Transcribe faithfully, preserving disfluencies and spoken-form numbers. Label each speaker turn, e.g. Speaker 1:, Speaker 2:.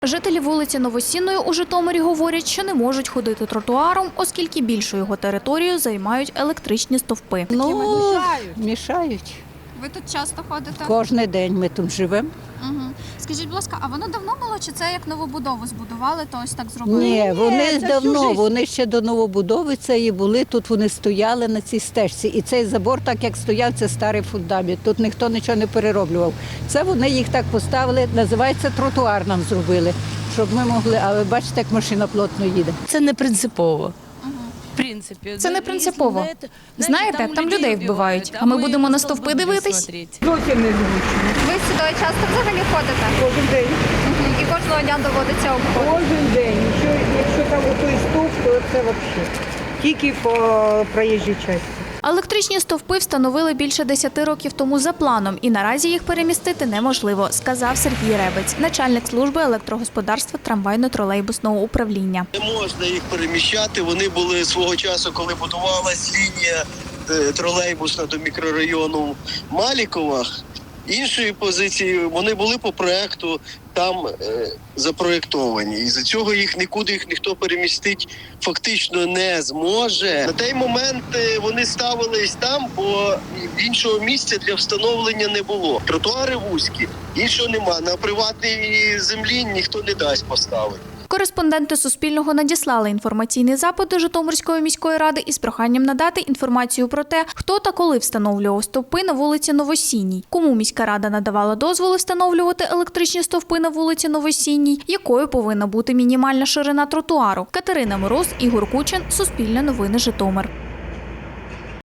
Speaker 1: Жителі вулиці Новосінної у Житомирі говорять, що не можуть ходити тротуаром, оскільки більшу його територію займають електричні стовпи.
Speaker 2: Ну,
Speaker 3: мішають.
Speaker 2: мішають.
Speaker 1: Ви тут часто ходите?
Speaker 2: Кожен день ми тут живемо.
Speaker 1: Угу. Скажіть, будь ласка, а воно давно було, чи це як новобудову збудували, то ось так зробили?
Speaker 2: Ні, вони
Speaker 3: це
Speaker 2: давно,
Speaker 3: всю жизнь.
Speaker 2: вони ще до новобудови цієї були, тут вони стояли на цій стежці. І цей забор, так як стояв, це старий фундамент. Тут ніхто нічого не перероблював. Це вони їх так поставили, називається тротуар нам зробили, щоб ми могли, а ви бачите, як машина плотно їде.
Speaker 3: Це не принципово. В принципі,
Speaker 1: Це не принципово. Знаєте, там людей вбивають, а ми будемо на стовпи дивитись?
Speaker 4: Зовсім не зручно.
Speaker 1: Ви сюди часто взагалі ходите?
Speaker 4: Кожен день.
Speaker 1: І кожного дня доводиться обходити?
Speaker 4: Кожен день. Якщо, якщо там отой стовп, то це взагалі. Тільки по проїжджій частині.
Speaker 1: Електричні стовпи встановили більше десяти років тому за планом, і наразі їх перемістити неможливо, сказав Сергій Ребець, начальник служби електрогосподарства трамвайно-тролейбусного управління.
Speaker 5: Не можна їх переміщати. Вони були свого часу, коли будувалась лінія е, тролейбусна до мікрорайону Малікова. Іншої позиції вони були по проекту там е, запроєктовані. І за цього їх нікуди їх ніхто перемістити фактично не зможе. На той момент е, вони ставились там, бо іншого місця для встановлення не було. Тротуари вузькі, іншого нема. На приватній землі ніхто не дасть поставити.
Speaker 1: Кореспонденти Суспільного надіслали інформаційний запит до Житомирської міської ради із проханням надати інформацію про те, хто та коли встановлював стовпи на вулиці Новосінній, кому міська рада надавала дозволи встановлювати електричні стовпи на вулиці Новосінній, якою повинна бути мінімальна ширина тротуару. Катерина Мороз, Ігор Кучин, Суспільне новини, Житомир.